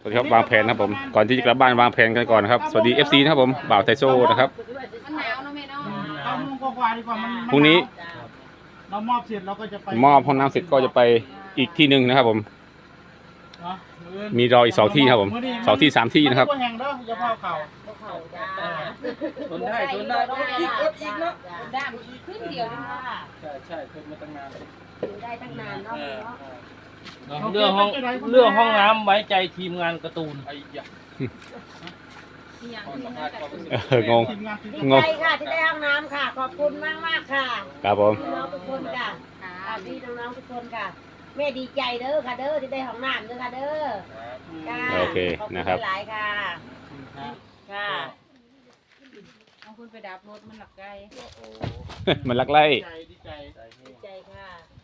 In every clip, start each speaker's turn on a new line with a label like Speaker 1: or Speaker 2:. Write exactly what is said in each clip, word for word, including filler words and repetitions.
Speaker 1: สวัสดีครับวางแผนนะครับผมก่อนที่จะกลับบ้านวางแผนกันก่อนนะครับสวัสดี เอฟ ซี นะครับผมบ่าวไทโซ่นะครับ
Speaker 2: มันหนาวเนาะแม่เนาะ
Speaker 3: เก้าโมงกว่าๆดีกว่ามัน
Speaker 1: พรุ่งนี้
Speaker 3: เรามอบเสร็จเราก็จะไป
Speaker 1: มอบห้องน้ำเสร็จก็จะไปอีกที่หนึ่งนะครับผม
Speaker 3: เนาะ
Speaker 1: มีรออีกสองที่ครับผมสองที่สามที่นะครับ
Speaker 3: ไม่ได้แห่งเด้ออย่าพาเข่า
Speaker 4: ทนได้ทนได้อดอีกอดอีกเนาะ
Speaker 2: ด้ามขึ้นเดียวนึงเนาะ
Speaker 4: ใช่ใช่ทนมาตั้งนาน
Speaker 2: อยู่ได้ตั้งนานเนาะเนาะ
Speaker 4: เรื่องห้องเรื่องห้องน้ำไว้ใจทีมงานการ์ตูนไอ้ยะ
Speaker 2: มีอย่างอื่นนะแต่คือ
Speaker 1: เอองง
Speaker 3: ทีมงานที่
Speaker 1: งง
Speaker 5: ใช่ค่ะที่ได้ห้องน้ำค่ะ ขอบคุณมากมากๆค่ะ
Speaker 1: ครับผม
Speaker 5: พี่น้องทุกคนค่ะ
Speaker 2: ค่ะ
Speaker 5: อ่าพี่น้องๆทุกคนค่ะแม่ดีใจเด้อค่ะเด้อที่ได้ห้องน้ำเด้อค่ะเด้อค่ะ
Speaker 1: โอเค
Speaker 5: ขอบณ
Speaker 1: นะครับ
Speaker 5: หลายๆค่ะค่ะ
Speaker 2: เอาคุณไปดับรถมันหลักไกล
Speaker 1: มันลักไล่
Speaker 3: ดีใจดีใจ
Speaker 5: ดีใจค่ะ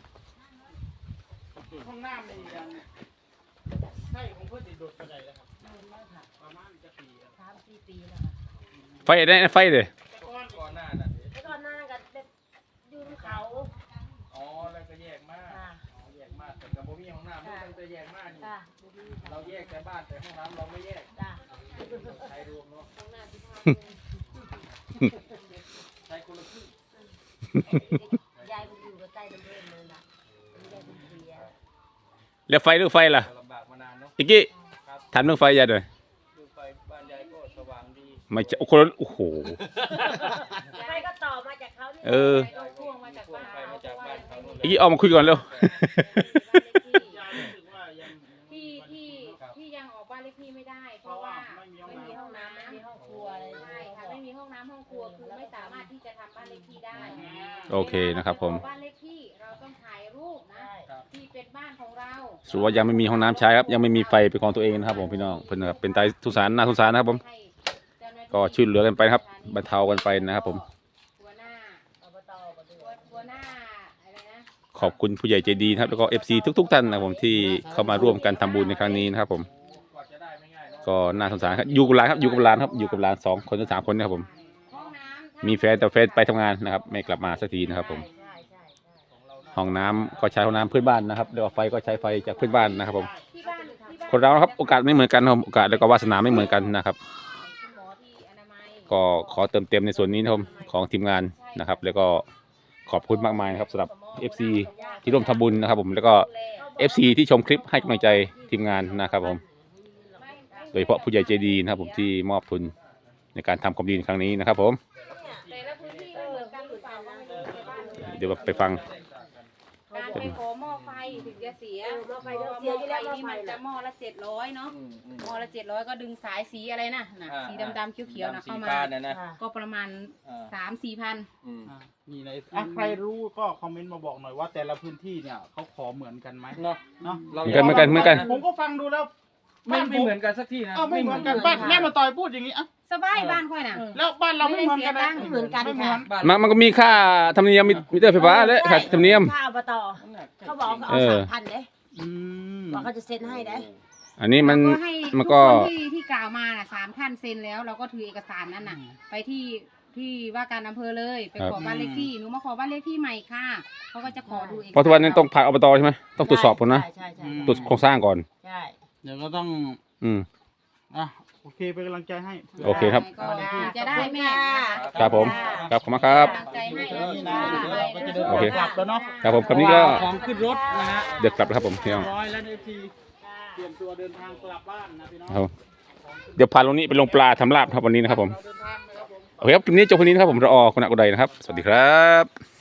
Speaker 3: ห้องน้ำนี่ยังใช่ของเพื่อนติดโดดกระไดแล้วครับประมาณจะปีแล้ว
Speaker 5: สามสี่ปีแล้วค่ะ
Speaker 1: ไฟได้ไฟเลย
Speaker 3: แต่ก่อน
Speaker 4: ก่อนหน้านั้น
Speaker 5: แล้วก็หน้ากันเด็กอยืนเขา
Speaker 4: อ๋อแล้วก็แยกมาก
Speaker 5: ค่ะ
Speaker 4: อ๋อแยกมากแต่กับบ่มีห้องน้ำมันตั้งแต่แยกมากนี่
Speaker 5: ค่ะ
Speaker 4: เราแยกแต่บ้านแต่ห้องน้ำเราไม่แยก
Speaker 5: จ้ะ
Speaker 4: ใช้รวมเนาะใช้คนละครึ่ง
Speaker 5: ยายมันอยู่กับใต้น้ำเลื่อนเลยล่ะยายเป็นเสีย
Speaker 1: แล้วไฟเรื่องไฟล่ะ
Speaker 4: ลำบากมานานเนาะ
Speaker 1: อีกกี้ทำเรื่องไฟยัดเลย
Speaker 4: ดูไฟบ้านยายก็สว่างดี
Speaker 1: ไม่จะคนละโอ้โห
Speaker 5: ใครก็ต่อมาจากเขานี่
Speaker 1: เออ
Speaker 2: ไปพ่วงมาจากบ้าน
Speaker 4: ไฟมาจากบ้านเขานู่น
Speaker 1: อีกกี้ออกมาคุยก่อนเร็ว
Speaker 3: ยายรู้สึกว่ายัง
Speaker 2: ที่ที่ที่ยังออกบ้านเลขที่ไม่ได้ เพราะว่าไม่มีห้องน้ำ
Speaker 5: ไม่มีห้องครัวเลย
Speaker 2: ใช่ค่ะไม่มีห้องน้ำห้องครัวคือไม่สามารถที่จะทำบ้านเลขที่ได้
Speaker 1: โอเคนะครับผม
Speaker 2: บ้านเลขที่เราต้องถ่ายรูปนะที่เป็นบ้านของเรา
Speaker 1: สรุปว่ายังไม่มีห้องน้ำใช้ครับยังไม่มีไฟเป็นของตัวเองนะครับผมพี่น้องเพื่อนนะครับเป็นไตทุสารน่าทุสารนะครับผม
Speaker 2: ให้เจ้าหน้าที่
Speaker 1: ก็ช่วยเหลือกันไปนะครับบรรเทากันไปนะครับผม
Speaker 2: หัวหน้า
Speaker 5: อบตก็ด้
Speaker 2: หั
Speaker 5: ว
Speaker 2: วย หัวหน้าอะไรนะ
Speaker 1: ขอบคุณผู้ใหญ่ใจดีนะครับแล้วก็ เอฟ ซี ทุกๆท่านนะครับผมที่เข้ามาร่วมกันทำบุญในครั้งนี้นะครับผม
Speaker 4: กว่าจะได้ไม่ง่ายเนาะ
Speaker 1: ก็น่าสงสารครับอยู่กับหลานครับอยู่กับหลานครับอยู่กับหลานสองคนถึงสามคนนะครับผม
Speaker 2: ห้องน้ำ
Speaker 1: มีแฟนแต่แฟนไปทำงานนะครับไม่กลับมาสักทีนะครับผม
Speaker 5: ใช่ใช่ใช่
Speaker 1: ห้องน้ำก็ใช้ห้องน้ำเพื่อนบ้านนะครับแล้วก็ไฟก็ใช้ไฟจากเพื่อนบ้านนะครับผม
Speaker 2: ที่บ้านที่บ้าน
Speaker 1: คนเรานะครับโอกาสไม่เหมือนกันนะครับโอกาสแล้วก็วาสนาไม่เหมือนกันนะครับ
Speaker 2: คุณหมอที่อนามัย
Speaker 1: ก็ขอเติมเต็มในส่วนนี้นะครับผมของทีมงานนะครับ แล้วก็ขอบคุณมากมายนะครับสำหรับ เอฟ ซี ที่ร่วมทำบุญนะครับผมแล้วก็ เอฟ ซี ที่ชมคลิปให้กำลังใจทีมงานนะครับผมโดยเฉพาะผู้ใหญ่ใจดีนะครับผมที่มอบทุนในการทำความดีในครั้งนี้นะครับผม
Speaker 2: แต่ละพื้นที่ไม่เหมือนกันหรือเปล่าก็ไม่รู้ในบ้าน
Speaker 1: เดี๋ยวไปฟัง
Speaker 2: การไปขอหม้อไฟถึงจะเสีย
Speaker 5: หม้อไฟเดี๋ยวเสียอยู่แล้วหม้อ
Speaker 2: นี่
Speaker 5: ไฟ
Speaker 2: มันจะ
Speaker 5: น่ะ
Speaker 2: หม้อละเจ็ดร้อยเนาะ
Speaker 4: อืมอืม
Speaker 2: หม้อละเจ็ดร้อยก็ดึงสายสีอะไรนะน่ะ
Speaker 4: อ่า
Speaker 2: สีดำๆเขียวๆนะ
Speaker 4: สี
Speaker 2: เข้ามา
Speaker 4: ฟ้าเนี่ยนะ
Speaker 5: ค่ะ
Speaker 2: ก็ประมาณ
Speaker 4: อ่า
Speaker 2: สามสี่พัน
Speaker 4: อืม
Speaker 3: อ่ะนี่เลยอ่ะใครรู้ก็คอมเมนต์มาบอกหน่อยว่าแต่ละพื้นที่เนี่ยเขาขอเหมือนกันไหม
Speaker 4: เนาะ
Speaker 3: เนาะ
Speaker 4: เรา
Speaker 1: เหมือนกันเหมือนกันเหมือนกัน
Speaker 3: ผมก็ฟังดูแล้ว
Speaker 4: ไม่
Speaker 3: บ้าน
Speaker 4: ไม่เหมือนกันสักที่นะ
Speaker 3: เอ้าไม่เหมือนกันบ้านแม่มาต่อยพูดอย่างนี้อ่ะ
Speaker 2: สบายบ้านค่อยน่ะ
Speaker 3: แล้วบ้านเราไม่เหมือนกันนะ
Speaker 5: ไม่เหมือนกัน
Speaker 3: ไม่เหมือน
Speaker 4: บ้าน
Speaker 1: มันมันก็มีค่าธรรมเนียมมิเตอร์ไฟฟ้าและค่าธรรมเนียม
Speaker 5: ข้าวอบตเขาบอกเขาเอา
Speaker 1: เออ
Speaker 5: สามพันเด้
Speaker 3: อืม
Speaker 5: บอกเขาจะเซ็นให้เด้
Speaker 1: อันนี้มัน
Speaker 2: เราก็ให้
Speaker 1: มัน
Speaker 2: ทุ
Speaker 1: ก็
Speaker 2: คนที่ที่กล่าวมาน่ะสามท่านเซ็นแล้ว เราก็ถือเอกสารนั้นน่ะ ไปที่ที่ว่าการอำเภอเลยไปขอบ้านเลขที่หนูมาขอบ้านเลขที่ใหม่ค่ะเขาก็จะขอดูเอกสาร
Speaker 1: เพราะทุกวันนี้ต้องผ่านอบตใช่ไหมต้องตรวจสอบก่อนนะ
Speaker 5: ใช่ใช่ใช่
Speaker 1: ตรวจโครงสร้างก่อน
Speaker 5: ใช่
Speaker 3: เดี๋ยวก็ต้อง
Speaker 1: อืม
Speaker 3: อ่ะโอเคเป็นกำลังใจให้
Speaker 1: โอเคครับ
Speaker 2: ก็จะได้แม่
Speaker 1: ครับผมครับขอบคุณมากครับ
Speaker 2: กำลังใจให้
Speaker 3: เดี๋ยว
Speaker 2: นะ
Speaker 3: นี่นะเดี๋ยวเราก็จะเดิน
Speaker 1: โอเค
Speaker 3: กลับแล้วเนาะ
Speaker 1: ครับผมคำนี้ก็
Speaker 3: ของขึ้นรถนะฮะ
Speaker 1: เดี๋ยวกลับแล้วครับผมพี่น้อง
Speaker 3: ร้อยแล้วในทีเตรียมตัวเดินทางกลับบ้านนะพี่น้อง
Speaker 1: ครับเดี๋ยวพาลงนี้ไปลงปลาทำลาบครับวันนี้นะครับผม
Speaker 3: เราเดินทางนะครับผม
Speaker 1: โอเคครับคลิปนี้จบวันนี้นะครับผมรอคุณอากุไดนะครับ สวัสดีครับ